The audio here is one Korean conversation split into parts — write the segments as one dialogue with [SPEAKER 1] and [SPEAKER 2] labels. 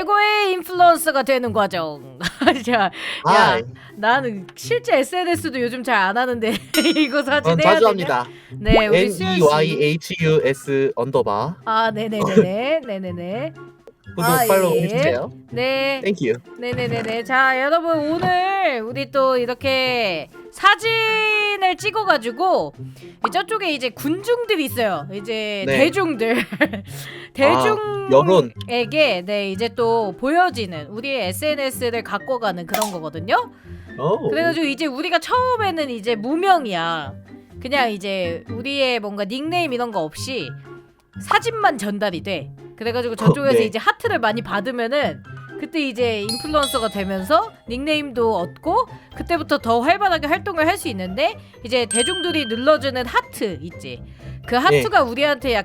[SPEAKER 1] 최고의 인플루언서가 되는 과정. 야,
[SPEAKER 2] 아,
[SPEAKER 1] 나는 실제 SNS도 요즘 잘 안 하는데 이거 사진
[SPEAKER 2] 전
[SPEAKER 1] 해야
[SPEAKER 2] 자주
[SPEAKER 1] 되냐?
[SPEAKER 2] 합니다.
[SPEAKER 1] 네, 우리 수현 씨.
[SPEAKER 2] NEYHUS _.
[SPEAKER 1] 아, 네네네네, 네네네.
[SPEAKER 2] 구독
[SPEAKER 1] 아,
[SPEAKER 2] 팔로우
[SPEAKER 1] 예.
[SPEAKER 2] 해주세요.
[SPEAKER 1] 네.
[SPEAKER 2] 땡큐.
[SPEAKER 1] 네네네네. 자, 여러분 오늘 우리 또 이렇게 사진을 찍어가지고 저쪽에 이제 군중들이 있어요. 이제
[SPEAKER 2] 네.
[SPEAKER 1] 대중들
[SPEAKER 2] 여론.
[SPEAKER 1] 대중에게 네 이제 또 보여지는 우리의 SNS를 갖고 가는 그런 거거든요. 그래가지고 이제 우리가 처음에는 이제 무명이야. 그냥 이제 우리의 뭔가 닉네임 이런 거 없이 사진만 전달이 돼. 그래가지고 저쪽에서
[SPEAKER 2] 네.
[SPEAKER 1] 이제 하트를 많이 받으면은 그때 이제 인플루언서가 되면서 닉네임도 얻고 그때부터 더 활발하게 활동을 할 수 있는데 이제 대중들이 눌러주는 하트 있지. 그 하트가 우리한테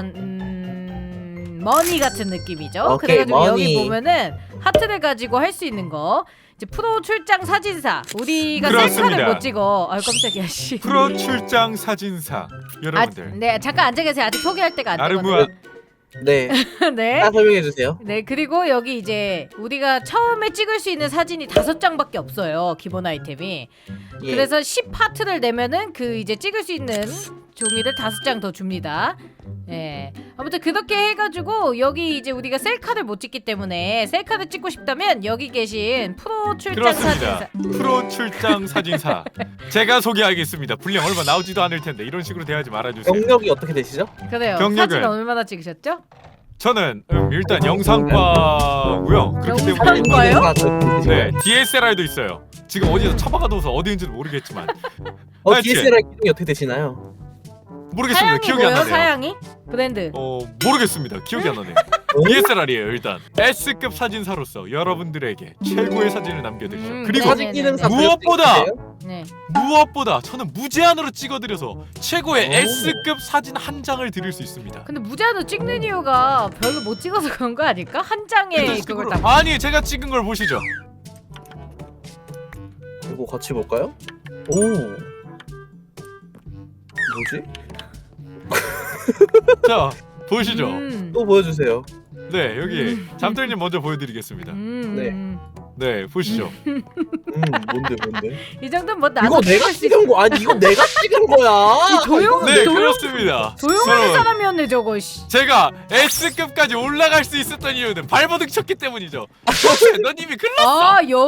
[SPEAKER 1] 약간 머니 같은 느낌이죠.
[SPEAKER 2] 오케이,
[SPEAKER 1] 그래가지고
[SPEAKER 2] 머니.
[SPEAKER 1] 여기 보면은 하트를 가지고 할 수 있는 거 이제 프로 출장 사진사 우리가
[SPEAKER 3] 그렇습니다.
[SPEAKER 1] 셀카를 못 찍어. 아 깜짝이야 씨.
[SPEAKER 3] 프로 출장 사진사 여러분들.
[SPEAKER 1] 네 잠깐 앉아 계세요. 아직 소개할 때가 안
[SPEAKER 3] 나르무아
[SPEAKER 1] 되거든요.
[SPEAKER 2] 네.
[SPEAKER 1] 네.
[SPEAKER 2] 다 설명해 주세요.
[SPEAKER 1] 네 그리고 여기 이제 우리가 처음에 찍을 수 있는 사진이 5장밖에 없어요. 기본 아이템이.
[SPEAKER 2] 예.
[SPEAKER 1] 그래서 10파트를 내면은 그 이제 찍을 수 있는 종이를 5장 더 줍니다. 예. 아무튼 그렇게 해가지고 여기 이제 우리가 셀카를 못 찍기 때문에 셀카를 찍고 싶다면 여기 계신 프로 출장
[SPEAKER 3] 그렇습니다.
[SPEAKER 1] 사진사.
[SPEAKER 3] 프로 출장 사진사 제가 소개하겠습니다. 분량 얼마 나오지도 않을 텐데 이런 식으로 대하지 말아주세요.
[SPEAKER 2] 경력이 어떻게 되시죠?
[SPEAKER 1] 그래요.
[SPEAKER 3] 경력은-
[SPEAKER 1] 사진 얼마나 찍으셨죠?
[SPEAKER 3] 저는 일단 영상과고요. 그렇기 때문에
[SPEAKER 1] 영상과요?
[SPEAKER 3] 네 DSLR도 있어요. 지금 어디서 처박아둬서 어디인지는 모르겠지만 하여튼
[SPEAKER 2] DSLR 기능이 어떻게 되시나요?
[SPEAKER 3] 모르겠습니다.
[SPEAKER 1] 사양이
[SPEAKER 3] 기억이 안
[SPEAKER 1] 뭐예요?
[SPEAKER 3] 나네요.
[SPEAKER 1] 사양이? 브랜드.
[SPEAKER 3] 모르겠습니다. 기억이 안 나네요. DSLR이에요 일단. S급 사진사로서 여러분들에게 최고의 사진을 남겨드리죠. 그리고
[SPEAKER 1] 사진
[SPEAKER 2] 기능사
[SPEAKER 3] 무엇보다
[SPEAKER 1] 네.
[SPEAKER 3] 무엇보다 저는 무제한으로 찍어드려서 최고의
[SPEAKER 2] 오.
[SPEAKER 3] S급 사진 한 장을 드릴 수 있습니다.
[SPEAKER 1] 근데 무제한으로 찍는 이유가 별로 못 찍어서 그런 거 아닐까? 한 장에
[SPEAKER 3] 근데
[SPEAKER 1] 그걸
[SPEAKER 3] 식으로-
[SPEAKER 1] 다.
[SPEAKER 3] 아니 제가 찍은 걸 보시죠.
[SPEAKER 2] 이거 같이 볼까요? 오. 뭐지?
[SPEAKER 3] 자 보시죠.
[SPEAKER 2] 또 보여주세요.
[SPEAKER 3] 네 여기 잠들님 먼저 보여드리겠습니다. 네 보시죠.
[SPEAKER 2] 뭔데?
[SPEAKER 1] 이 정도는 뭐 나도
[SPEAKER 2] 이거 내가
[SPEAKER 1] 찍을 수 있-
[SPEAKER 2] 찍은 거 아니? 이거 내가 찍은 거야.
[SPEAKER 1] 조용
[SPEAKER 3] 네
[SPEAKER 1] 조용
[SPEAKER 3] 그렇습니다.
[SPEAKER 1] 조용한
[SPEAKER 3] 저는
[SPEAKER 1] 사람이었네 저거. 씨.
[SPEAKER 3] 제가 S급까지 올라갈 수 있었던 이유는 발버둥 쳤기 때문이죠. 너님이 글렀어.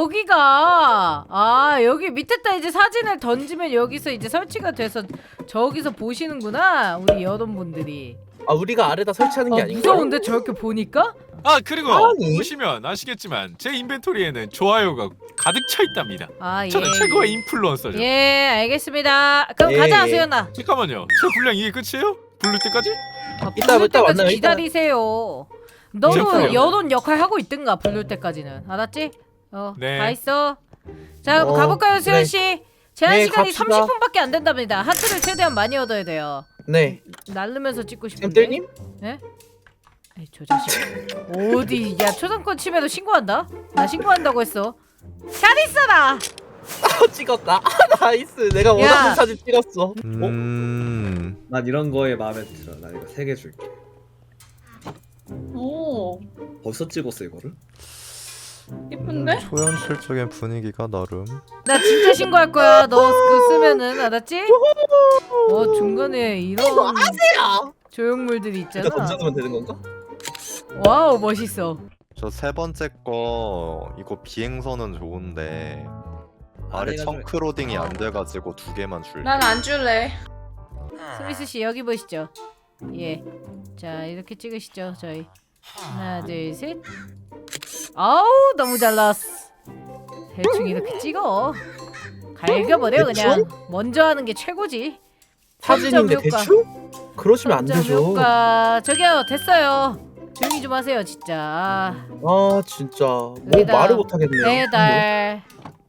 [SPEAKER 1] 여기 밑에다 이제 사진을 던지면 여기서 이제 설치가 돼서 저기서 보시는구나 우리 여러분들이.
[SPEAKER 2] 아 우리가 아래다 설치하는 게 아닌가?
[SPEAKER 1] 무서운데 저렇게 보니까?
[SPEAKER 3] 아 그리고
[SPEAKER 2] 아니.
[SPEAKER 3] 보시면 아시겠지만 제 인벤토리에는 좋아요가 가득 차 있답니다.
[SPEAKER 1] 아 예.
[SPEAKER 3] 저는 최고의 인플루언서죠.
[SPEAKER 1] 예 알겠습니다. 그럼
[SPEAKER 2] 예.
[SPEAKER 1] 가자 수연아.
[SPEAKER 3] 잠깐만요. 제 분량 이게 끝이에요? 부를 때까지?
[SPEAKER 2] 이따
[SPEAKER 1] 부를 때까지
[SPEAKER 2] 만나요, 이따.
[SPEAKER 1] 기다리세요. 너도
[SPEAKER 3] 제가요.
[SPEAKER 1] 여론 역할 하고 있든가 부를 때까지는 알았지?
[SPEAKER 3] 네.
[SPEAKER 1] 다 있어. 자 그럼 가볼까요 수연 씨? 제한
[SPEAKER 2] 네,
[SPEAKER 1] 시간이
[SPEAKER 2] 갑시다.
[SPEAKER 1] 30분밖에 안 된답니다. 하트를 최대한 많이 얻어야 돼요.
[SPEAKER 2] 네.
[SPEAKER 1] 날르면서 찍고 싶은데.
[SPEAKER 2] 쌤들님?
[SPEAKER 1] 에이, 저 자식. 어디 야 초상권 침해도 신고한다? 나 신고한다고 했어. 잘 있어라.
[SPEAKER 2] 찍었다. 나이스. 내가
[SPEAKER 1] 야.
[SPEAKER 2] 원하는 사진 찍었어.
[SPEAKER 4] 난 이런 거에 마음에 들어. 나 이거 3개 줄게.
[SPEAKER 5] 오
[SPEAKER 4] 벌써 찍었어 이거를?
[SPEAKER 5] 예쁜데?
[SPEAKER 6] 초현실적인 분위기가 나름.
[SPEAKER 1] 나 진짜 신고할 거야. 너 그거 쓰면은 알았지? 중간에 이런
[SPEAKER 2] 야.
[SPEAKER 1] 조형물들이
[SPEAKER 2] 이거
[SPEAKER 1] 있잖아.
[SPEAKER 2] 던져두면 되는 건가?
[SPEAKER 1] 와우 멋있어.
[SPEAKER 6] 저 세 번째 거 이거 비행선은 좋은데 아래
[SPEAKER 4] 내가 좀-
[SPEAKER 6] 청크로딩이 안 돼가지고 2개만 줄게.
[SPEAKER 5] 난 안 줄래.
[SPEAKER 1] 스미스 씨 여기 보시죠. 예. 자 이렇게 찍으시죠 저희. 하나 둘 셋. 아우 너무 잘 나왔어. 대충 이렇게 찍어. 갈겨버려 그냥. 먼저 하는 게 최고지.
[SPEAKER 2] 사진인데
[SPEAKER 1] 점점 효과.
[SPEAKER 2] 대충? 그러시면 안
[SPEAKER 1] 점점
[SPEAKER 2] 되죠.
[SPEAKER 1] 효과. 저기요 됐어요. 조용히 좀 하세요 진짜.
[SPEAKER 2] 아 진짜 뭐
[SPEAKER 1] 여기다
[SPEAKER 2] 말을 못 하겠네요.
[SPEAKER 1] 배달.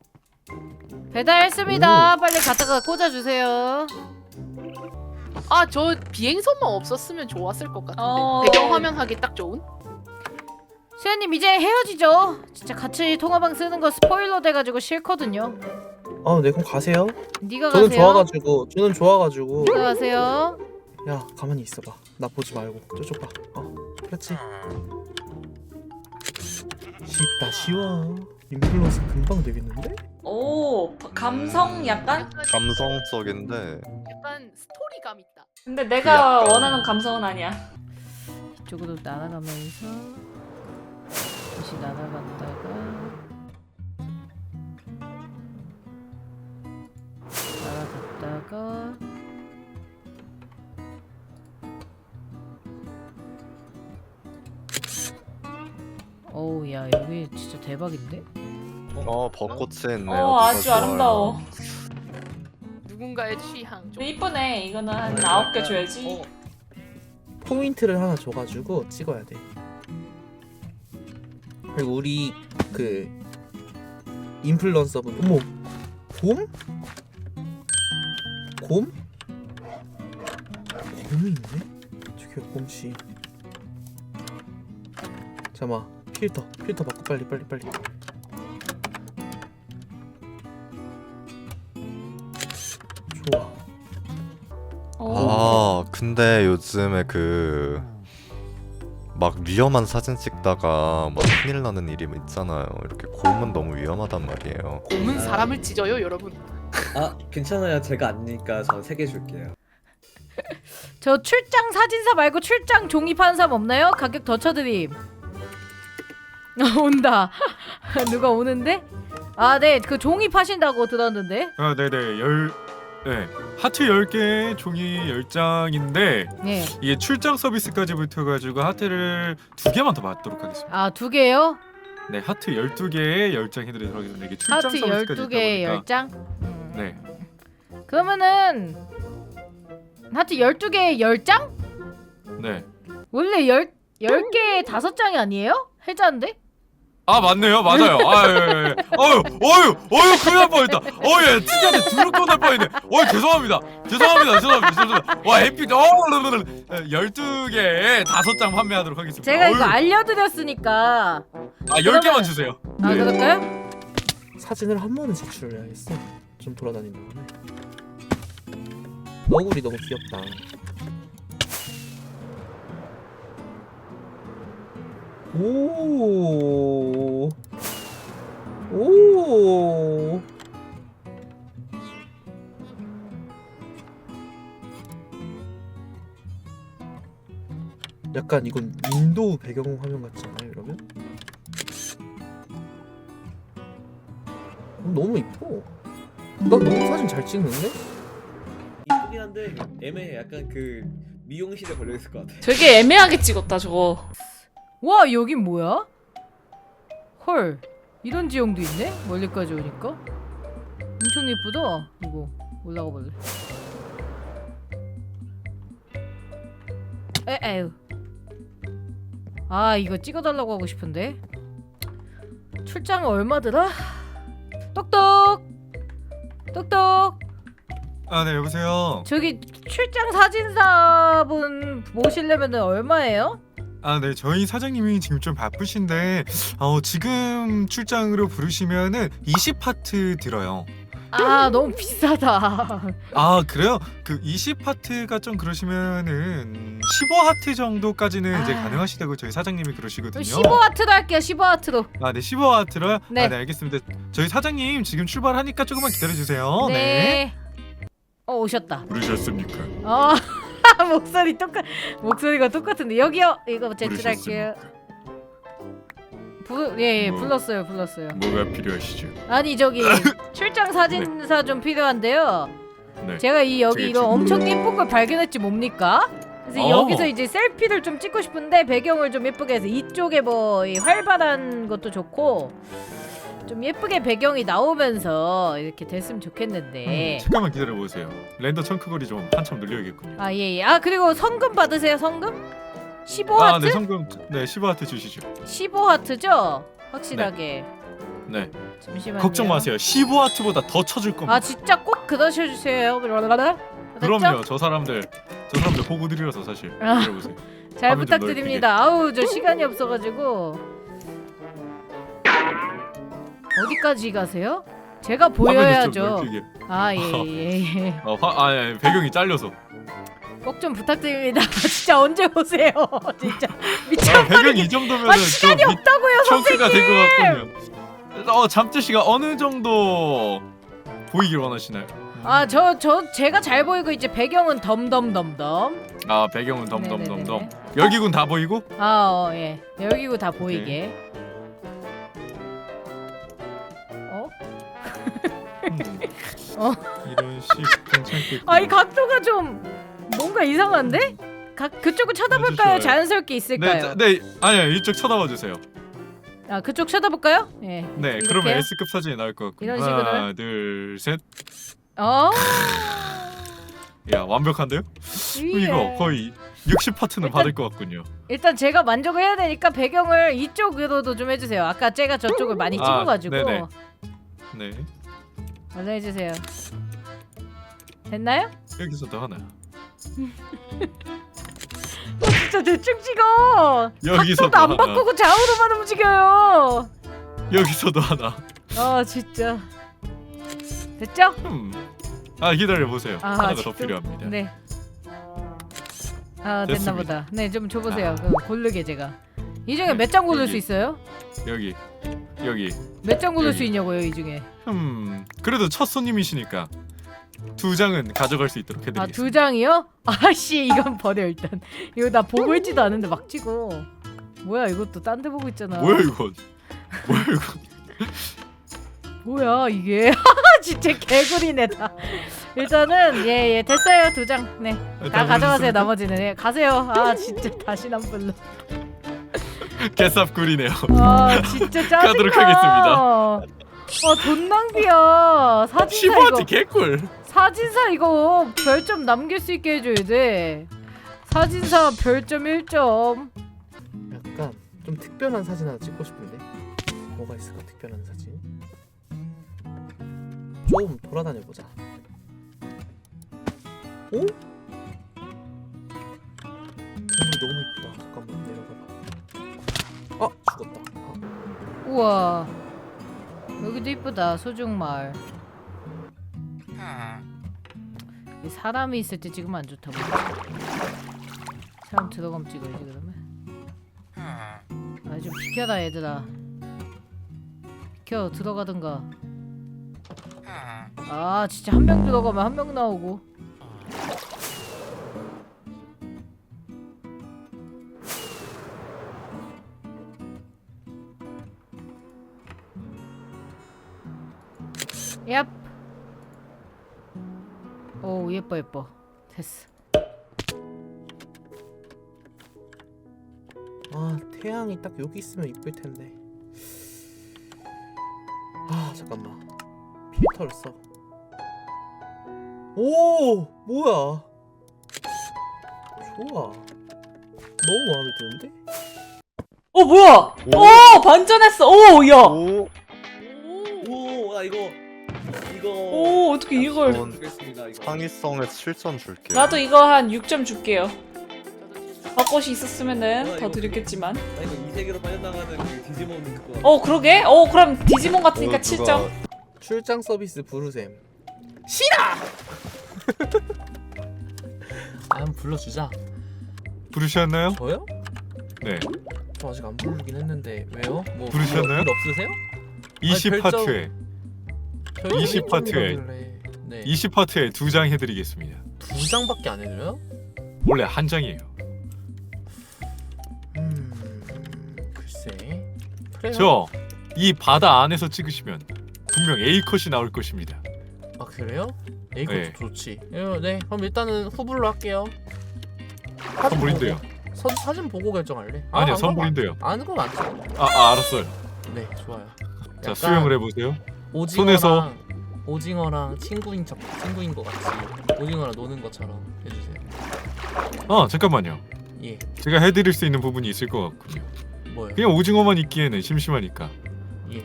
[SPEAKER 1] 배달했습니다. 빨리 갖다가 꽂아주세요.
[SPEAKER 7] 아 저 비행선만 없었으면 좋았을 것 같은데
[SPEAKER 1] 어.
[SPEAKER 7] 배경화면 하기 딱 좋은?
[SPEAKER 1] 수현님 이제 헤어지죠. 진짜 같이 통화방 쓰는 거 스포일러 돼가지고 싫거든요.
[SPEAKER 2] 네 그럼 가세요.
[SPEAKER 1] 네가
[SPEAKER 2] 저는
[SPEAKER 1] 가세요.
[SPEAKER 2] 저는 좋아가지고.
[SPEAKER 1] 네가 가세요.
[SPEAKER 2] 야 가만히 있어봐. 나 보지 말고 저쪽 봐. 그렇지. 쉽다 쉬워. 인플루언서 금방 되겠는데?
[SPEAKER 5] 오 감성 약간?
[SPEAKER 6] 감성적인데
[SPEAKER 7] 약간 스토리감 있다.
[SPEAKER 5] 근데 내가
[SPEAKER 6] 약간-
[SPEAKER 5] 원하는 감성은 아니야.
[SPEAKER 1] 이쪽으로 날아가면서 다시 날아갔다가 날아갔다가 어우 야 여기 진짜 대박인데?
[SPEAKER 6] 벚꽃이 있네요.
[SPEAKER 5] 아주
[SPEAKER 6] 좋아요.
[SPEAKER 5] 아름다워.
[SPEAKER 7] 누군가의 취향. 좀.
[SPEAKER 5] 근데 이쁘네. 이거는 한 9개 줘야지.
[SPEAKER 2] 포인트를 하나 줘가지고 찍어야 돼. 그리고 우리 그 인플루언서분 어머 곰? 곰? 곰이 있네? 저기요 곰씨. 잠깐만 필터 바꿔 빨리. 좋아.
[SPEAKER 5] 오.
[SPEAKER 6] 근데 요즘에 막 위험한 사진 찍다가 막 큰일 나는 일이 있잖아요. 이렇게 곰은 너무 위험하단 말이에요.
[SPEAKER 7] 곰은 사람을 찢어요, 여러분.
[SPEAKER 4] 아 괜찮아요. 제가 아니니까 전 3개 줄게요.
[SPEAKER 1] 저 출장 사진사 말고 출장 종이 파는 사람 없나요? 가격 더 쳐드림. 온다. 누가 오는데? 아, 네. 그 종이 파신다고 들었는데.
[SPEAKER 3] 아 네네 하트 10개 종이 10장인데
[SPEAKER 1] 네.
[SPEAKER 3] 이게 출장 서비스까지 붙어가지고 하트를 2개만 더 받도록 하겠습니다.
[SPEAKER 1] 아, 2개요?
[SPEAKER 3] 네 하트 12개에 10장 해드리도록 하겠습니다. 이게 출장
[SPEAKER 1] 하트
[SPEAKER 3] 서비스까지
[SPEAKER 1] 12개에
[SPEAKER 3] 있다 보니까
[SPEAKER 1] 10장?
[SPEAKER 3] 네
[SPEAKER 1] 그러면은 하트 12개에 10장?
[SPEAKER 3] 네.
[SPEAKER 1] 원래 10개에 5장이 아니에요? 해자인데?
[SPEAKER 3] 아 맞네요 맞아요 어휴 큰일 날 뻔했다 예 진짜 두렵고 날 뻔했네 죄송합니다 와 에픽 12개에 5장 판매하도록 하겠습니다.
[SPEAKER 1] 제가 이거
[SPEAKER 3] 어휴.
[SPEAKER 1] 알려드렸으니까.
[SPEAKER 3] 10개만 주세요.
[SPEAKER 1] 아,
[SPEAKER 3] 네.
[SPEAKER 1] 그럴까요?
[SPEAKER 2] 사진을 한 번은 제출을 해야겠어. 좀 돌아다닌 다음에. 너구리 너무 귀엽다. 오. 약간 이건 인도 배경 화면 같지 않아요, 이러면? 너무 이뻐. 나 너무 사진 잘 찍는데?
[SPEAKER 4] 이쁘긴 한데 애매해. 약간 미용실에 걸려 있을 것 같아.
[SPEAKER 5] 되게 애매하게 찍었다 저거.
[SPEAKER 1] 와, 여긴 뭐야? 헐. 이런 지형도 있네? 멀리까지 오니까. 엄청 예쁘다. 이거 올라가 볼래. 에휴. 아, 이거 찍어달라고 하고 싶은데. 출장 얼마더라? 똑똑.
[SPEAKER 3] 아 네 여보세요.
[SPEAKER 1] 저기 출장 사진사분 모시려면 얼마예요?
[SPEAKER 3] 아 네 저희 사장님이 지금 좀 바쁘신데 지금 출장으로 부르시면은 20파트 들어요.
[SPEAKER 1] 아, 너무 비싸다.
[SPEAKER 3] 아 그래요? 그 20파트가 좀 그러시면은 15하트 정도까지는 이제
[SPEAKER 1] 아.
[SPEAKER 3] 가능하시다고 저희 사장님이 그러시거든요.
[SPEAKER 1] 15와트로 할게요. 15와트로.
[SPEAKER 3] 아 네 15하트로요?
[SPEAKER 1] 네.
[SPEAKER 3] 아 네 알겠습니다. 저희 사장님 지금 출발하니까 조금만 기다려주세요.
[SPEAKER 1] 네. 오셨다.
[SPEAKER 3] 부르셨습니까?
[SPEAKER 1] 목소리가 똑같은데 여기요. 이거 제출할게요. 예, 불렀어요.
[SPEAKER 3] 뭐가 필요하시죠?
[SPEAKER 1] 아니 저기 출장 사진사 좀 필요한데요.
[SPEAKER 3] 네.
[SPEAKER 1] 제가 여기
[SPEAKER 3] 저기
[SPEAKER 1] 이런
[SPEAKER 3] 지금-
[SPEAKER 1] 엄청 예쁜 걸 발견했지 뭡니까? 그래서 여기서 이제 셀피를 좀 찍고 싶은데 배경을 좀 예쁘게 해서 이쪽에 뭐 이 활발한 것도 좋고 좀 예쁘게 배경이 나오면서 이렇게 됐으면 좋겠는데.
[SPEAKER 3] 잠깐만 기다려 보세요. 렌더 청크거리 좀 한참 늘려야겠군요.
[SPEAKER 1] 아, 예. 아, 그리고 성금 받으세요. 성금? 15와트?
[SPEAKER 3] 네 성금 네 15하트 주시죠.
[SPEAKER 1] 15와트죠? 확실하게.
[SPEAKER 3] 네.
[SPEAKER 1] 잠시만요.
[SPEAKER 3] 걱정 마세요. 15하트보다 더 쳐줄 겁니다.
[SPEAKER 1] 아, 진짜 꼭 그러셔주세요.
[SPEAKER 3] 그럼요. 저 사람들 보고 드리라서 사실.
[SPEAKER 1] 아.
[SPEAKER 3] 들어보세요.
[SPEAKER 1] 잘
[SPEAKER 3] 화면 좀
[SPEAKER 1] 부탁드립니다. 아우, 저 시간이 없어가지고. 어디까지 가세요? 제가
[SPEAKER 3] 화면을 좀
[SPEAKER 1] 보여야죠.
[SPEAKER 3] 넓히게.
[SPEAKER 1] 아, 예.
[SPEAKER 3] 배경이 잘려서.
[SPEAKER 1] 꼭 좀 부탁드립니다. 진짜 언제 오세요? 진짜
[SPEAKER 3] 아,
[SPEAKER 1] 미쳐버리겠.
[SPEAKER 3] 배경이 이 정도면은
[SPEAKER 1] 시간이 없다고요,
[SPEAKER 3] 청크가 된 것
[SPEAKER 1] 선생님.
[SPEAKER 3] 같군요. 잠재씨가 어느 정도 보이길 원하시나요?
[SPEAKER 1] 제가 잘 보이고 이제 배경은 덤덤덤덤.
[SPEAKER 3] 아 배경은 덤덤덤덤.
[SPEAKER 1] 네네네네.
[SPEAKER 3] 열기군 다 보이고?
[SPEAKER 1] 예. 여기고 다 보이게. 어?
[SPEAKER 3] 이런 식 괜찮겠군.
[SPEAKER 1] 이 각도가 좀 뭔가 이상한데? 그쪽을 쳐다볼까요?
[SPEAKER 3] 아주 좋아요.
[SPEAKER 1] 자연스럽게 있을까요?
[SPEAKER 3] 네, 아니요 이쪽 쳐다봐 주세요.
[SPEAKER 1] 그쪽 쳐다볼까요? 예.
[SPEAKER 3] 네,
[SPEAKER 1] 이렇게요?
[SPEAKER 3] 그러면 S급 사진이 나올 것 같군요.
[SPEAKER 1] 이런 식으로요?
[SPEAKER 3] 하나, 둘, 셋. 야 완벽한데요? 이거 거의 60파트는
[SPEAKER 1] 일단-
[SPEAKER 3] 받을 것 같군요.
[SPEAKER 1] 일단 제가 만족을 해야 되니까 배경을 이쪽으로도 좀 해주세요. 아까 제가 저쪽을 많이 찍어가지고.
[SPEAKER 3] 네네. 네,
[SPEAKER 1] 완성 해주세요. 됐나요?
[SPEAKER 3] 여기서도 하나.
[SPEAKER 1] 진짜 대충 찍어.
[SPEAKER 3] 여기서도
[SPEAKER 1] 각도도 안
[SPEAKER 3] 하나.
[SPEAKER 1] 바꾸고 좌우로만 움직여요.
[SPEAKER 3] 여기서도 하나.
[SPEAKER 1] 진짜. 됐죠?
[SPEAKER 3] 기다려 보세요. 하나가 더
[SPEAKER 1] 아직도?
[SPEAKER 3] 필요합니다.
[SPEAKER 1] 네. 됐나
[SPEAKER 3] 됐습니다.
[SPEAKER 1] 보다. 네, 좀 줘보세요. 그럼 고르게 제가. 이 중에 몇 장 고를
[SPEAKER 3] 여기.
[SPEAKER 1] 수 있어요?
[SPEAKER 3] 여기.
[SPEAKER 1] 몇 장 고를
[SPEAKER 3] 여기.
[SPEAKER 1] 수 있냐고요, 이 중에?
[SPEAKER 3] 그래도 첫 손님이시니까 2장은 가져갈 수 있도록 해드리겠습니다.
[SPEAKER 1] 2장이요? 아씨, 이건 버려 일단. 이거 나 보고 있지도 않은데 막 찍어. 뭐야, 이것도 딴 데 보고 있잖아.
[SPEAKER 3] 뭐야 이건? 뭐야 이건?
[SPEAKER 1] 뭐야 이게? 진짜 개구리네 다. 일단은 예 됐어요 2장. 네. 다 가져가세요 나머지는. 예, 가세요. 진짜 다시 안 불러.
[SPEAKER 3] 개쌉꿀이네요.
[SPEAKER 1] 진짜 짜증나.
[SPEAKER 3] 가도록 하겠습니다.
[SPEAKER 1] 돈 낭비야. 사진사
[SPEAKER 3] 15화트
[SPEAKER 1] 이거.
[SPEAKER 3] 개꿀.
[SPEAKER 1] 사진사 이거 별점 남길 수 있게 해줘야 돼. 사진사 별점 1점.
[SPEAKER 2] 약간 좀 특별한 사진 하나 찍고 싶은데 뭐가 있을까? 특별한 사진 좀 돌아다녀 보자. 오? 건물이 너무 이쁘다. 잠깐만 내려가봐. 죽었다.
[SPEAKER 1] 우와. 여기도 이쁘다. 소중마을. 이 사람이 있을 때 찍으면 안 좋다고. 사람 들어가면 찍어야지 그러면. 좀 비켜라 얘들아. 비켜 들어가든가. 진짜 한 명 들어가면 한 명 나오고. 얍. 오 예뻐. 됐어.
[SPEAKER 2] 태양이 딱 여기 있으면 이쁠 텐데. 잠깐만. 필터를 써. 오, 뭐야? 좋아. 너무 마음에 드는데?
[SPEAKER 5] 뭐야?
[SPEAKER 6] 오.
[SPEAKER 5] 반전했어. 야.
[SPEAKER 6] 오,
[SPEAKER 4] 오, 이거
[SPEAKER 5] 어떻게 이걸?
[SPEAKER 6] 전
[SPEAKER 4] 주겠습니다. 이거.
[SPEAKER 6] 창의성에 7점 줄게요.
[SPEAKER 5] 나도 이거 한 6점 줄게요. 벚꽃이 있었으면은 더
[SPEAKER 4] 이거
[SPEAKER 5] 드렸겠지만.
[SPEAKER 4] 이거 이 세계로 빠져나가는 그 디지몬 그거.
[SPEAKER 5] 그러게. 그럼 디지몬 같으니까
[SPEAKER 6] 누가
[SPEAKER 5] 7점.
[SPEAKER 2] 출장 서비스 부르셈. 한번 불러주자.
[SPEAKER 3] 부르셨나요?
[SPEAKER 2] 저요?
[SPEAKER 3] 네.
[SPEAKER 2] 저 아직 안 부르긴 했는데 왜요? 뭐
[SPEAKER 3] 부르셨나요?
[SPEAKER 2] 일 없으세요?
[SPEAKER 3] 20파트에
[SPEAKER 2] 별점
[SPEAKER 3] 20파트에.
[SPEAKER 2] 1점이라길래. 네.
[SPEAKER 3] 20파트에 2장 해드리겠습니다.
[SPEAKER 2] 2장밖에 안 해줘요?
[SPEAKER 3] 원래 한 장이에요.
[SPEAKER 2] 글쎄. 그래요.
[SPEAKER 3] 저 이 바다 안에서 찍으시면 분명 A 컷이 나올 것입니다.
[SPEAKER 2] 그래요? 이것도
[SPEAKER 3] 네.
[SPEAKER 2] 좋지. 네, 그럼 일단은 후불로 할게요.
[SPEAKER 3] 선물인데요.
[SPEAKER 2] 사진 보고 결정할래?
[SPEAKER 3] 아니요
[SPEAKER 2] 안
[SPEAKER 3] 선물인데요.
[SPEAKER 2] 안 그럼 안 돼.
[SPEAKER 3] 알았어요.
[SPEAKER 2] 네, 좋아요.
[SPEAKER 3] 자
[SPEAKER 2] 약간
[SPEAKER 3] 수영을 해보세요.
[SPEAKER 2] 오징어랑 친구인 것 같이 오징어랑 노는 것처럼 해주세요.
[SPEAKER 3] 잠깐만요.
[SPEAKER 2] 예,
[SPEAKER 3] 제가 해드릴 수 있는 부분이 있을 것 같군요.
[SPEAKER 2] 뭐요?
[SPEAKER 3] 그냥 오징어만 있기에는 심심하니까.
[SPEAKER 2] 예.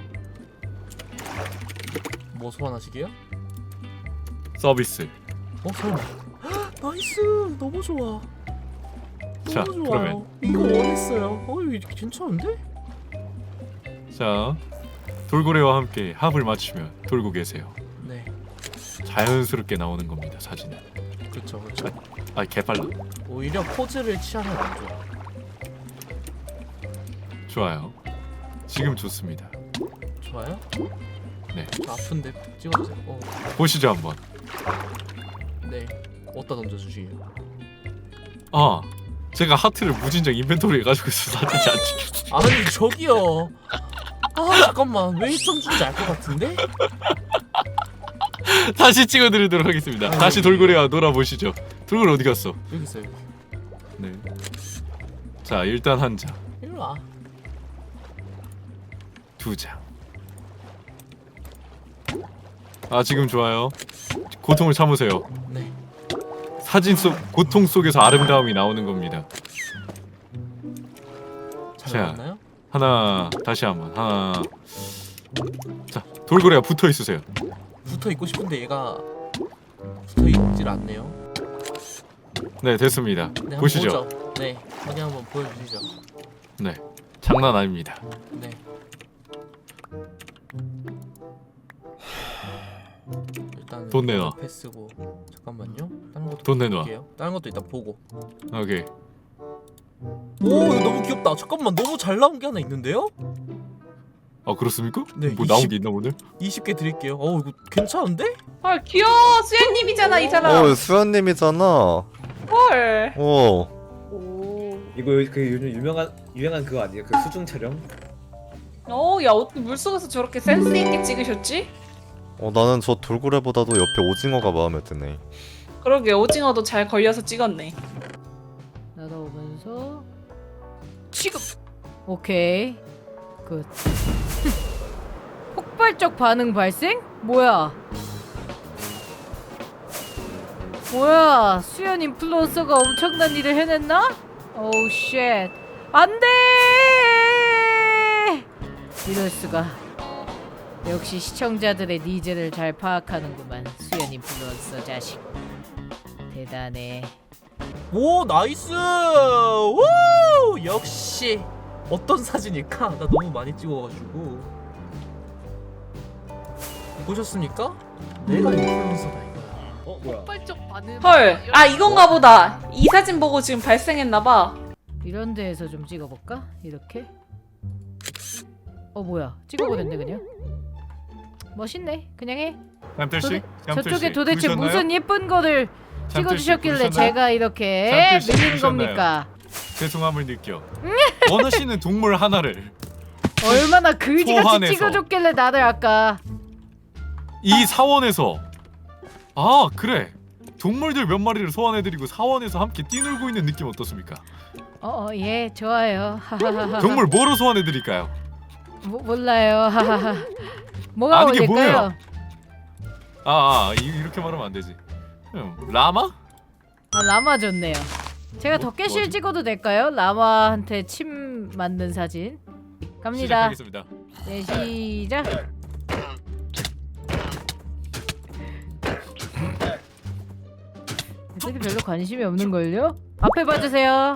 [SPEAKER 2] 뭐 소환하시게요?
[SPEAKER 3] 서비스.
[SPEAKER 2] 설마. 나이스, 너무 좋아.
[SPEAKER 3] 자,
[SPEAKER 2] 너무 좋아요. 이거 원했어요. 이거 괜찮은데?
[SPEAKER 3] 자 돌고래와 함께 합을 맞추며 돌고 계세요.
[SPEAKER 2] 네,
[SPEAKER 3] 자연스럽게 나오는 겁니다. 사진은.
[SPEAKER 2] 그렇죠.
[SPEAKER 3] 아 개빨라.
[SPEAKER 2] 오히려 포즈를 취하면 안 좋아.
[SPEAKER 3] 좋아요. 지금 좋습니다.
[SPEAKER 2] 좋아요?
[SPEAKER 3] 네.
[SPEAKER 2] 아픈데 찍어주세요.
[SPEAKER 3] 보시죠 한번.
[SPEAKER 2] 네. 어디다 던져주시게요?
[SPEAKER 3] 아 제가 하트를 무진장 인벤토리에 가지고 있어 사진이 안 찍혔어.
[SPEAKER 2] 아니 저기요. 아 잠깐만 왜 1점 준지 알 것 같은데?
[SPEAKER 3] 다시 찍어드리도록 하겠습니다. 다시 돌고래와 놀아보시죠. 돌고래 어디 갔어?
[SPEAKER 2] 여기 있어요.
[SPEAKER 3] 네. 자 일단 한 장,
[SPEAKER 2] 일로 와.
[SPEAKER 3] 두 장. 아 지금 좋아요. 고통을 참으세요.
[SPEAKER 2] 네.
[SPEAKER 3] 사진 속 고통 속에서 아름다움이 나오는 겁니다.
[SPEAKER 2] 잘
[SPEAKER 3] 자.
[SPEAKER 2] 나왔나요?
[SPEAKER 3] 하나 다시 한번 하나. 자 돌고래가 붙어 있으세요.
[SPEAKER 2] 붙어 있고 싶은데 얘가 붙어 있질 않네요.
[SPEAKER 3] 네 됐습니다.
[SPEAKER 2] 네, 한번
[SPEAKER 3] 보시죠.
[SPEAKER 2] 보죠. 네. 여기 한번 보여주시죠.
[SPEAKER 3] 네 장난 아닙니다.
[SPEAKER 2] 네. 일단
[SPEAKER 3] 돈 내놔.
[SPEAKER 2] 패스고 잠깐만요. 다른 것도
[SPEAKER 3] 돈 내놔.
[SPEAKER 2] 볼게요. 다른 것도 일단 보고.
[SPEAKER 3] 오케이.
[SPEAKER 2] 오 이거 너무 귀엽다. 잠깐만 너무 잘 나온 게 하나 있는데요?
[SPEAKER 3] 아 그렇습니까?
[SPEAKER 2] 네,
[SPEAKER 3] 뭐 나온
[SPEAKER 2] 20
[SPEAKER 3] 게 있나 오늘?
[SPEAKER 2] 20개 드릴게요. 이거 괜찮은데?
[SPEAKER 5] 헐 귀여워. 수현님이잖아 이 사람.
[SPEAKER 6] 수현님이잖아.
[SPEAKER 5] 헐.
[SPEAKER 6] 오.
[SPEAKER 5] 오.
[SPEAKER 4] 이거 그 요즘 유명한 그거 아니에요? 그 수중 촬영?
[SPEAKER 5] 야 어떻게 물속에서 저렇게 센스 있게 찍으셨지?
[SPEAKER 6] 나는 저 돌고래보다도 옆에 오징어가 마음에 드네.
[SPEAKER 5] 그러게 오징어도 잘 걸려서 찍었네.
[SPEAKER 1] 날아오면서 지금 오케이 굿. 폭발적 반응 발생? 뭐야 수연 인플루언서가 엄청난 일을 해냈나? 오우 쉣 안돼 이럴 수가. 역시 시청자들의 니즈를 잘 파악하는구만 수연 인플루언서 자식. 대단해.
[SPEAKER 2] 오 나이스. 오 역시 어떤 사진일까? 나 너무 많이 찍어가지고. 보셨습니까? 내가 인플루언서다 이거야.
[SPEAKER 4] 뭐야?
[SPEAKER 7] 폭발적 반응.
[SPEAKER 5] 헐. 아 이건가 보다. 이 사진 보고 지금 발생했나봐.
[SPEAKER 1] 이런 데에서 좀 찍어볼까? 이렇게? 뭐야 찍어버렸네 그냥. 멋있네 그냥 해.
[SPEAKER 3] 잠들씨
[SPEAKER 1] 저쪽에 도대체 무슨 예쁜 거를 찍어주셨길래 제가 이렇게
[SPEAKER 3] 잠들씨
[SPEAKER 1] 밀리는
[SPEAKER 3] 부르셨나요?
[SPEAKER 1] 겁니까?
[SPEAKER 3] 죄송함을 느껴. 원하시는 동물 하나를
[SPEAKER 1] 얼마나 그지같이
[SPEAKER 3] 소환해서.
[SPEAKER 1] 찍어줬길래 나를 아까.
[SPEAKER 3] 이 사원에서 아 그래 동물들 몇 마리를 소환해드리고 사원에서 함께 뛰놀고 있는 느낌 어떻습니까?
[SPEAKER 1] 예 좋아요. 하하하하.
[SPEAKER 3] 동물 뭐로 소환해드릴까요?
[SPEAKER 1] 몰라요. 하하하. 뭐가
[SPEAKER 3] 아는 게
[SPEAKER 1] 어울릴까요?
[SPEAKER 3] 뭐예요? 이렇게 말하면 안 되지. 라마?
[SPEAKER 1] 라마 좋네요. 제가 덕계실
[SPEAKER 3] 뭐지?
[SPEAKER 1] 찍어도 될까요? 라마한테 침 맞는 사진. 갑니다.
[SPEAKER 3] 시작하겠습니다.
[SPEAKER 1] 네 시작. 애들이 별로 관심이 없는걸요? 앞에 봐주세요.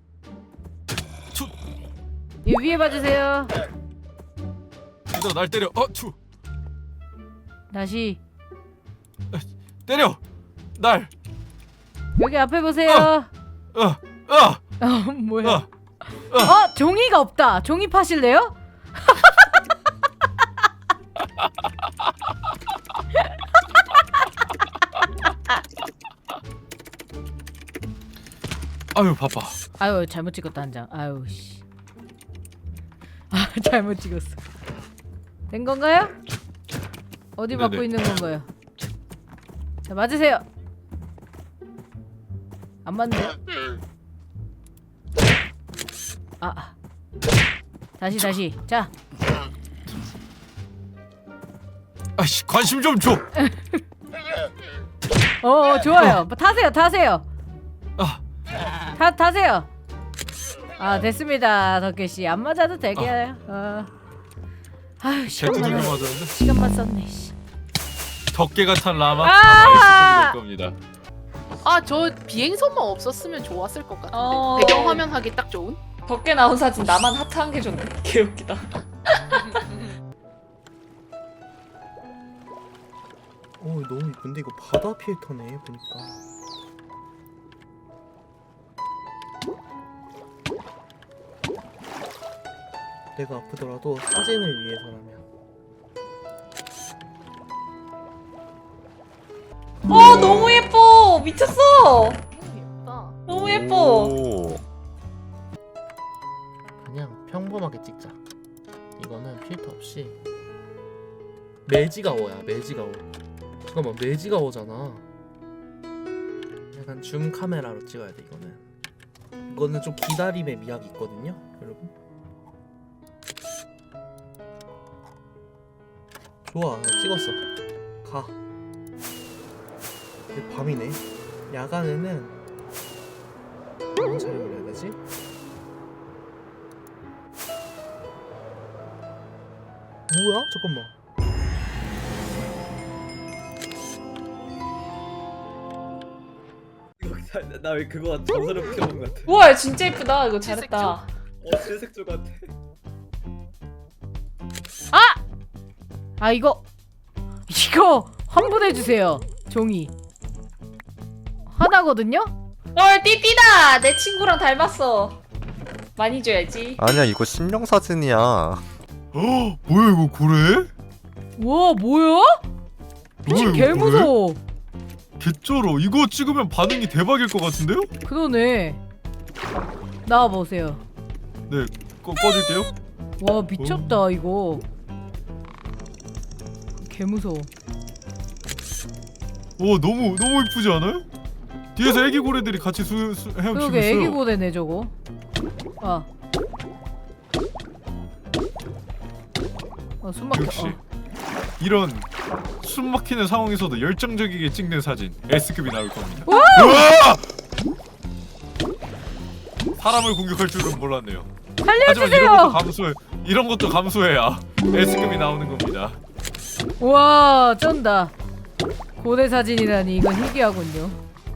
[SPEAKER 1] 이 위에 봐주세요.
[SPEAKER 3] 너 날 때려. 추.
[SPEAKER 1] 다시
[SPEAKER 3] 때려. 날.
[SPEAKER 1] 여기 앞에 보세요. 뭐야? 종이가 없다. 종이 파실래요?
[SPEAKER 3] 아유 바빠.
[SPEAKER 1] 아유 잘못 찍었다 한 장. 아유 씨. 잘못 찍었어. 된 건가요? 어디
[SPEAKER 3] 네네.
[SPEAKER 1] 맞고 있는 건가요? 자 맞으세요. 안 맞네요. 다시. 자.
[SPEAKER 3] 아이씨 관심 좀 줘.
[SPEAKER 1] 좋아요. 뭐 타세요. 타세요. 됐습니다. 덕계씨 안 맞아도 되게요. 아유
[SPEAKER 3] 제트도
[SPEAKER 1] 시간만
[SPEAKER 3] 맞았는데.
[SPEAKER 1] 시간만 썼네. 씨.
[SPEAKER 3] 덕계가 탄 라마 가만히 있을 겁니다.
[SPEAKER 7] 저 비행선만 없었으면 좋았을 것 같은데.
[SPEAKER 5] 어.
[SPEAKER 7] 배경화면 하기 딱 좋은.
[SPEAKER 5] 덕게 나온 사진 나만 하트 한 개 줬네. 개웃기다.
[SPEAKER 2] 너무 이쁜데 이거 바다 필터네 보니까. 내가 아프더라도 사진을 위해서라면.
[SPEAKER 5] 너무 예뻐. 미쳤어.
[SPEAKER 7] 예쁘다.
[SPEAKER 5] 너무 예뻐.
[SPEAKER 6] 오.
[SPEAKER 2] 그냥 평범하게 찍자. 이거는 필터 없이. 매지가워야 매지가워. 잠깐만 매지가워잖아. 약간 줌 카메라로 찍어야 돼 이거는. 이거는 좀 기다림의 미학이 있거든요, 여러분. 좋아, 나 찍었어. 가. 이제 밤이네. 야간에는 무슨 촬영을 해야 되지? 뭐야? 잠깐만.
[SPEAKER 4] 나 왜 그거 전설을 켜본 것 같아.
[SPEAKER 5] 우와 진짜 예쁘다. 이거 잘했다.
[SPEAKER 4] 칠색조 같아.
[SPEAKER 1] 아 이거 환불해 주세요. 종이 하나거든요.
[SPEAKER 5] 헐 띠띠다. 내 친구랑 닮았어. 많이 줘야지.
[SPEAKER 6] 아니야 이거 심령 사진이야.
[SPEAKER 3] 뭐야 이거 고래?
[SPEAKER 1] 와 뭐야? 미친
[SPEAKER 3] 뭐야,
[SPEAKER 1] 개
[SPEAKER 3] 이거
[SPEAKER 1] 무서워.
[SPEAKER 3] 개쩔어. 이거 찍으면 반응이 대박일 것 같은데요?
[SPEAKER 1] 그러네. 나와 보세요.
[SPEAKER 3] 네, 꺼질게요.
[SPEAKER 1] 와 미쳤다 이거. 개 무서워.
[SPEAKER 3] 너무 이쁘지 않아요? 뒤에서 애기 고래들이 같이 헤엄치고
[SPEAKER 1] 그러게
[SPEAKER 3] 있어요.
[SPEAKER 1] 애기 고래네 저거. 숨 막혀.
[SPEAKER 3] 역시 이런 숨 막히는 상황에서도 열정적이게 찍는 사진 S급이 나올 겁니다. 우와! 사람을 공격할 줄은 몰랐네요. 하지만
[SPEAKER 1] 살려주세요.
[SPEAKER 3] 이런 것도 감수해야 S급이 나오는 겁니다.
[SPEAKER 1] 와 쩐다. 고래 사진이라니 이건 희귀하군요.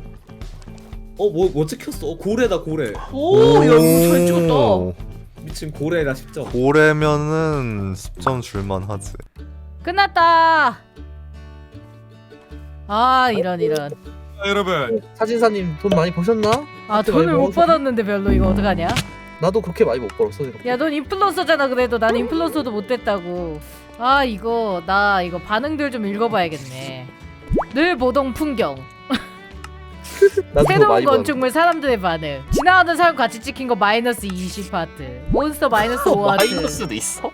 [SPEAKER 4] 뭐 찍혔어? 고래다 고래.
[SPEAKER 5] 오, 야 이거 잘 찍었다.
[SPEAKER 4] 미친 고래라 10점.
[SPEAKER 6] 고래면은 10점 줄만 하지.
[SPEAKER 1] 끝났다. 이런.
[SPEAKER 3] 여러분
[SPEAKER 2] 사진사님 돈 많이 버셨나?
[SPEAKER 1] 돈을 못 받았는데 별로 이거 어떡하냐?
[SPEAKER 2] 나도 그렇게 많이 못 벌었어. 생각보다.
[SPEAKER 1] 야 넌 인플루언서잖아. 그래도 난 인플루언서도 못 됐다고. 나 이거 반응들 좀 읽어봐야겠네. 늘 보던 풍경,
[SPEAKER 2] 나도 그거
[SPEAKER 1] 새로운
[SPEAKER 2] 많이
[SPEAKER 1] 건축물 사람들의 반응, 지나가는 사람 같이 찍힌 거 마이너스 20하트, 몬스터 마이너스 5하트.
[SPEAKER 2] 마이너스도 있어?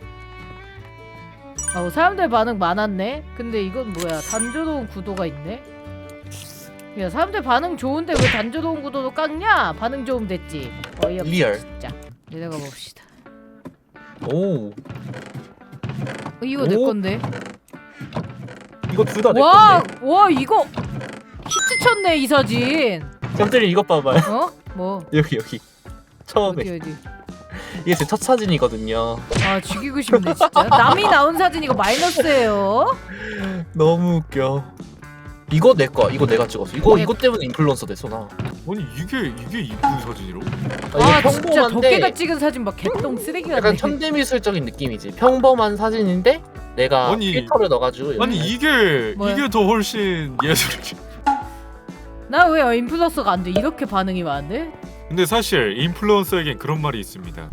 [SPEAKER 1] 사람들 반응 많았네. 근데 이건 뭐야? 단조로운 구도가 있네. 야 사람들 반응 좋은데 왜 단조로운 구도도 깎냐? 반응 좋으면 됐지. 어이없어
[SPEAKER 2] 리얼.
[SPEAKER 1] 진짜. 내려가 봅시다.
[SPEAKER 2] 오,
[SPEAKER 1] 이거 내
[SPEAKER 2] 오?
[SPEAKER 1] 건데.
[SPEAKER 2] 이거 둘 다 내
[SPEAKER 1] 와,
[SPEAKER 2] 건데.
[SPEAKER 1] 와 이거 히트 쳤네 이 사진.
[SPEAKER 2] 쌤들이 이것 봐봐요.
[SPEAKER 1] 뭐?
[SPEAKER 2] 여기 처음에
[SPEAKER 1] 어디?
[SPEAKER 2] 이게 제 첫 사진이거든요.
[SPEAKER 1] 죽이고 싶네 진짜. 남이 나온 사진 이거 마이너스예요.
[SPEAKER 2] 너무 웃겨. 이거 내 거야. 이거 내가 찍었어. 이거
[SPEAKER 1] 네.
[SPEAKER 2] 이것 때문에 인플루언서 됐어 나.
[SPEAKER 3] 아니 이게 이쁜 사진이로?
[SPEAKER 2] 이게
[SPEAKER 1] 진짜 덕계가 찍은 사진 막 개똥 쓰레기 같네.
[SPEAKER 2] 약간 현대미술적인 느낌이지. 평범한 사진인데 내가
[SPEAKER 3] 아니,
[SPEAKER 2] 필터를 넣어가지고.
[SPEAKER 3] 아니 이게
[SPEAKER 1] 뭐야?
[SPEAKER 3] 더 훨씬 예술이지.
[SPEAKER 1] 나 왜 인플루언서가 안 돼? 이렇게 반응이 많은데?
[SPEAKER 3] 근데 사실 인플루언서에겐 그런 말이 있습니다.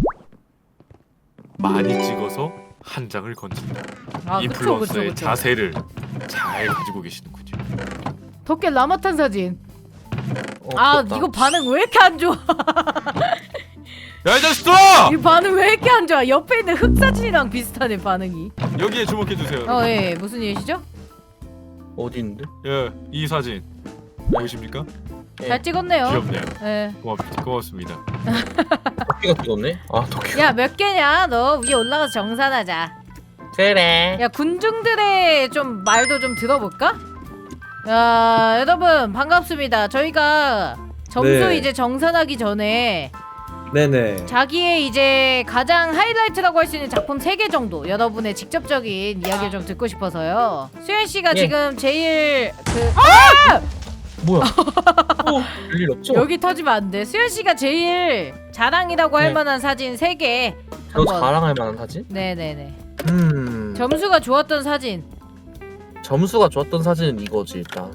[SPEAKER 3] 많이 찍어서 한 장을 건진다. 인플루언서의
[SPEAKER 1] 그쵸.
[SPEAKER 3] 자세를 잘 가지고 계시는군요.
[SPEAKER 1] 덕계 라마탄 사진.
[SPEAKER 2] 귀엽다.
[SPEAKER 1] 이거 반응 왜 이렇게 안 좋아?
[SPEAKER 3] 야 이 자식들아!
[SPEAKER 1] 이 반응 왜 이렇게 안 좋아? 옆에 있는 흑 사진이랑 비슷하네 반응이.
[SPEAKER 3] 여기에 주목해 주세요.
[SPEAKER 1] 예. 무슨 일이시죠?
[SPEAKER 2] 어디 있는데?
[SPEAKER 3] 예, 이 사진 보이십니까?
[SPEAKER 2] 예.
[SPEAKER 1] 잘 찍었네요.
[SPEAKER 3] 귀엽네요.
[SPEAKER 1] 예.
[SPEAKER 3] 고맙습니다.
[SPEAKER 2] 도끼가 찍었네? 도끼.
[SPEAKER 1] 야 몇 개냐? 너 위에 올라가서 정산하자.
[SPEAKER 2] 그래.
[SPEAKER 1] 야 군중들의 좀 말도 좀 들어볼까? 야 여러분 반갑습니다. 저희가 점수
[SPEAKER 4] 네.
[SPEAKER 1] 이제 정산하기 전에
[SPEAKER 4] 네네.
[SPEAKER 1] 자기의 이제 가장 하이라이트라고 할 수 있는 작품 3개 정도 여러분의 직접적인 이야기를 좀 듣고 싶어서요. 수현 씨가
[SPEAKER 2] 예.
[SPEAKER 1] 지금 제일
[SPEAKER 2] 뭐야? 별일 없죠?
[SPEAKER 1] 여기 터지면 안 돼. 수현 씨가 제일 자랑이라고 할
[SPEAKER 2] 네.
[SPEAKER 1] 만한 사진 3개.
[SPEAKER 2] 저 자랑할 만한 사진?
[SPEAKER 1] 네네네.
[SPEAKER 2] 점수가
[SPEAKER 1] 점수가 좋았던 사진.
[SPEAKER 2] 좋았던 사진은 이거지 일단.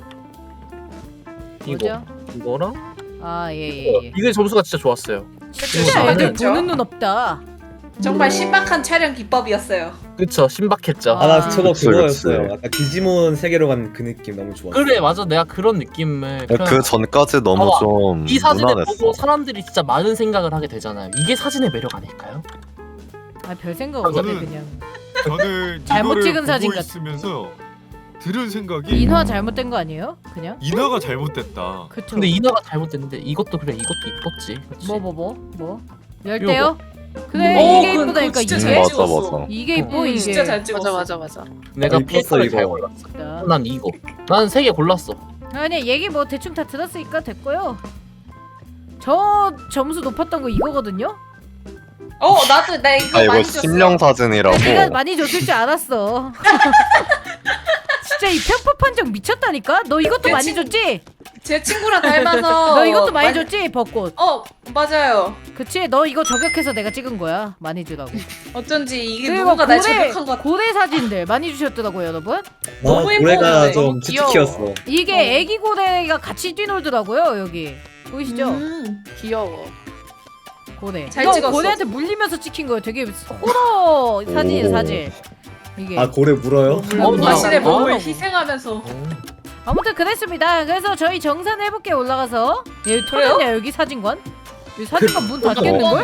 [SPEAKER 1] 뭐죠?
[SPEAKER 2] 이거랑
[SPEAKER 1] 예예.
[SPEAKER 2] 이게 점수가 진짜 좋았어요.
[SPEAKER 1] 진짜 애들
[SPEAKER 2] 저는-
[SPEAKER 1] 보는 눈 없다.
[SPEAKER 5] 정말 신박한 촬영 기법이었어요.
[SPEAKER 2] 그쵸, 신박했죠.
[SPEAKER 4] 아 나 저거
[SPEAKER 6] 그치,
[SPEAKER 4] 그거였어요.
[SPEAKER 6] 그치.
[SPEAKER 4] 약간 디지몬 세계로 간 그 느낌 너무 좋았어.
[SPEAKER 2] 그래, 맞아. 내가 그런 느낌을
[SPEAKER 6] 그 전까지 너무
[SPEAKER 2] 봐봐.
[SPEAKER 6] 좀
[SPEAKER 2] 이 사진을
[SPEAKER 6] 무난했어.
[SPEAKER 2] 보고 사람들이 진짜 많은 생각을 하게 되잖아요. 이게 사진의 매력 아닐까요?
[SPEAKER 1] 아 별 생각 없네
[SPEAKER 3] 저는-
[SPEAKER 1] 그냥.
[SPEAKER 3] 저는
[SPEAKER 1] 잘못
[SPEAKER 3] 이거를
[SPEAKER 1] 찍은 사진
[SPEAKER 3] 보고
[SPEAKER 1] 같아.
[SPEAKER 3] 있으면서 들은 생각이
[SPEAKER 1] 인화 잘못된 거 아니에요? 그냥?
[SPEAKER 3] 인화가 잘못됐다.
[SPEAKER 1] 그쵸.
[SPEAKER 2] 근데 인화가 잘못됐는데 이것도 그래, 이것도 이뻤지. 그치?
[SPEAKER 1] 뭐? 열대요? 그래
[SPEAKER 5] 오,
[SPEAKER 1] 이게
[SPEAKER 5] 그건
[SPEAKER 1] 이쁘다니까
[SPEAKER 5] 진짜
[SPEAKER 1] 이게.
[SPEAKER 5] 잘
[SPEAKER 6] 맞아
[SPEAKER 5] 찍었어.
[SPEAKER 6] 맞아.
[SPEAKER 1] 이게 이뻐 이게.
[SPEAKER 5] 진짜 잘 찍었어.
[SPEAKER 7] 맞아.
[SPEAKER 2] 내가
[SPEAKER 4] 이뻤어,
[SPEAKER 2] 필터를
[SPEAKER 4] 이거.
[SPEAKER 2] 잘 골랐어.
[SPEAKER 1] 자,
[SPEAKER 2] 난 이거. 난 3개 골랐어.
[SPEAKER 1] 아니 얘기 뭐 대충 다 들었으니까 됐고요. 저 점수 높았던 거 이거거든요.
[SPEAKER 5] 나도 나 이거
[SPEAKER 6] 아 이거
[SPEAKER 5] 많이 줬어.
[SPEAKER 6] 심령 사진이라고.
[SPEAKER 1] 내가 많이 줬을 줄 알았어. 진짜 이 편파 판정 미쳤다니까. 너 이것도
[SPEAKER 5] 내
[SPEAKER 1] 많이
[SPEAKER 5] 친구-
[SPEAKER 1] 줬지?
[SPEAKER 5] 제 친구랑 닮아서.
[SPEAKER 1] 너 이것도 많이 줬지? 벚꽃.
[SPEAKER 5] 맞아요.
[SPEAKER 1] 그치? 너 이거 저격해서 내가 찍은 거야. 많이 주라고.
[SPEAKER 5] 어쩐지 이게
[SPEAKER 1] 그리고
[SPEAKER 5] 누군가 날 저격한 것 같아.
[SPEAKER 1] 고래 사진들 많이 주셨더라고요, 여러분.
[SPEAKER 4] 나
[SPEAKER 5] 너무
[SPEAKER 4] 고래가
[SPEAKER 5] 예뻐.
[SPEAKER 4] 좀
[SPEAKER 7] 너무 귀여워.
[SPEAKER 4] 치트키였어.
[SPEAKER 1] 이게 애기 고래가 같이 뛰놀더라고요, 여기. 보이시죠?
[SPEAKER 7] 귀여워.
[SPEAKER 1] 고래.
[SPEAKER 5] 잘
[SPEAKER 1] 이거
[SPEAKER 5] 찍었어.
[SPEAKER 1] 고래한테 물리면서 찍힌 거예요. 되게 호러 사진이에요,
[SPEAKER 6] 오.
[SPEAKER 1] 사진. 이게.
[SPEAKER 4] 아 고래 물어요?
[SPEAKER 5] 자신의
[SPEAKER 1] 뭐야?
[SPEAKER 5] 몸을
[SPEAKER 1] 어.
[SPEAKER 5] 희생하면서.
[SPEAKER 1] 아무튼 그랬습니다. 그래서 저희 정산 해볼게 올라가서 여기
[SPEAKER 5] 그래요?
[SPEAKER 1] 터졌냐 여기 사진관? 여기 사진관 문 닫겠는걸?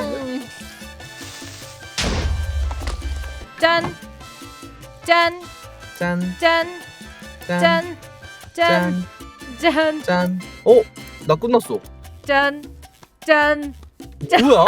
[SPEAKER 1] 짠! 짠!
[SPEAKER 2] 짠,
[SPEAKER 1] 짠!
[SPEAKER 2] 짠,
[SPEAKER 1] 짠! 짠!
[SPEAKER 2] 짠,
[SPEAKER 1] 짠!
[SPEAKER 2] 짠. 나 끝났어.
[SPEAKER 1] 짠! 짠!
[SPEAKER 2] 뭐야?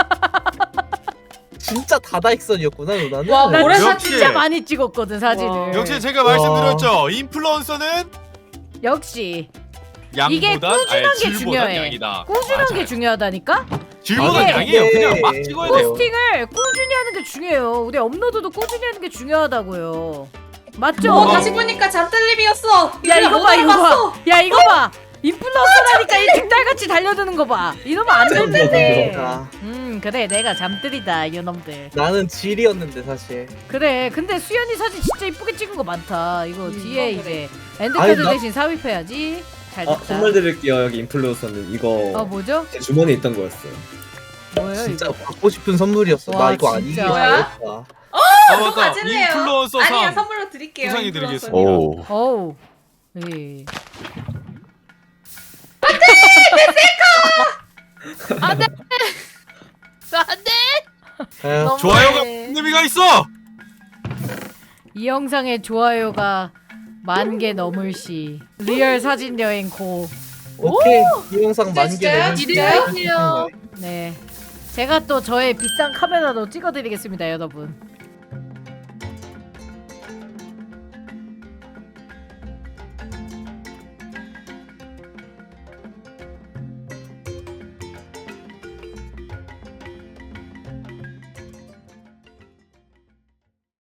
[SPEAKER 2] 진짜 다다익선이었구나, 누나는.
[SPEAKER 5] 와,
[SPEAKER 1] 나
[SPEAKER 5] 고래
[SPEAKER 3] 역시.
[SPEAKER 5] 사진
[SPEAKER 1] 진짜 많이 찍었거든 사진을.
[SPEAKER 7] 와.
[SPEAKER 3] 역시 제가 말씀드렸죠. 인플루언서는
[SPEAKER 1] 역시
[SPEAKER 3] 양보단
[SPEAKER 1] 이게 꾸준한 게
[SPEAKER 3] 질보단
[SPEAKER 1] 중요해.
[SPEAKER 3] 양이다.
[SPEAKER 1] 꾸준한
[SPEAKER 3] 맞아요.
[SPEAKER 1] 게 중요하다니까?
[SPEAKER 3] 질보단
[SPEAKER 1] 이게-
[SPEAKER 3] 양이에요. 그냥 막 찍어야 돼요.
[SPEAKER 1] 포스팅을 꾸준히 하는 게 중요해요. 우리 업로드도 꾸준히 하는 게 중요하다고요. 맞죠?
[SPEAKER 5] 다시 보니까 잠들림이었어.
[SPEAKER 1] 야 이거 봐 이거
[SPEAKER 5] 알아봤어.
[SPEAKER 1] 봐. 야 이거 봐. 인플루언서라니까 이 득달같이 달려드는 거 봐. 이러면 안 되는데.
[SPEAKER 2] 아,
[SPEAKER 1] 그래 내가 잠들이다 이놈들.
[SPEAKER 2] 나는 질이었는데 사실.
[SPEAKER 1] 그래 근데 수연이 사진 진짜 이쁘게 찍은 거 많다. 이거 뒤에
[SPEAKER 5] 그래.
[SPEAKER 1] 이제
[SPEAKER 2] 아니,
[SPEAKER 1] 엔드카드
[SPEAKER 2] 나-
[SPEAKER 1] 대신 삽입해야지. 잘
[SPEAKER 4] 아
[SPEAKER 1] 됐다.
[SPEAKER 4] 선물 드릴게요. 여기 인플루언서는 이거
[SPEAKER 1] 뭐죠?
[SPEAKER 4] 제 주머니에 있던 거였어요.
[SPEAKER 1] 뭐예요
[SPEAKER 2] 진짜
[SPEAKER 1] 이거?
[SPEAKER 2] 받고 싶은 선물이었어.
[SPEAKER 1] 와,
[SPEAKER 2] 나 이거 아니기
[SPEAKER 1] 진짜.
[SPEAKER 2] 잘했다.
[SPEAKER 3] 아 맞다.
[SPEAKER 5] 가질래요.
[SPEAKER 3] 인플루언서
[SPEAKER 5] 아니야
[SPEAKER 3] 상
[SPEAKER 5] 선물로 드릴게요.
[SPEAKER 3] 수상해
[SPEAKER 5] 인플루언서님.
[SPEAKER 3] 드리겠습니다.
[SPEAKER 6] 오.
[SPEAKER 1] 어우. 예.
[SPEAKER 7] 안돼.
[SPEAKER 2] 에휴,
[SPEAKER 3] 좋아요가 의미가 있어.
[SPEAKER 1] 이 영상의 좋아요가 10,000개 넘을 시 리얼 사진 여행 고.
[SPEAKER 2] 오케이. 이 영상
[SPEAKER 5] 진짜,
[SPEAKER 2] 만개
[SPEAKER 5] 진짜요?
[SPEAKER 2] 내면
[SPEAKER 7] 기대할게요.
[SPEAKER 1] 네. 제가 또 저의 비싼 카메라로 찍어드리겠습니다, 여러분.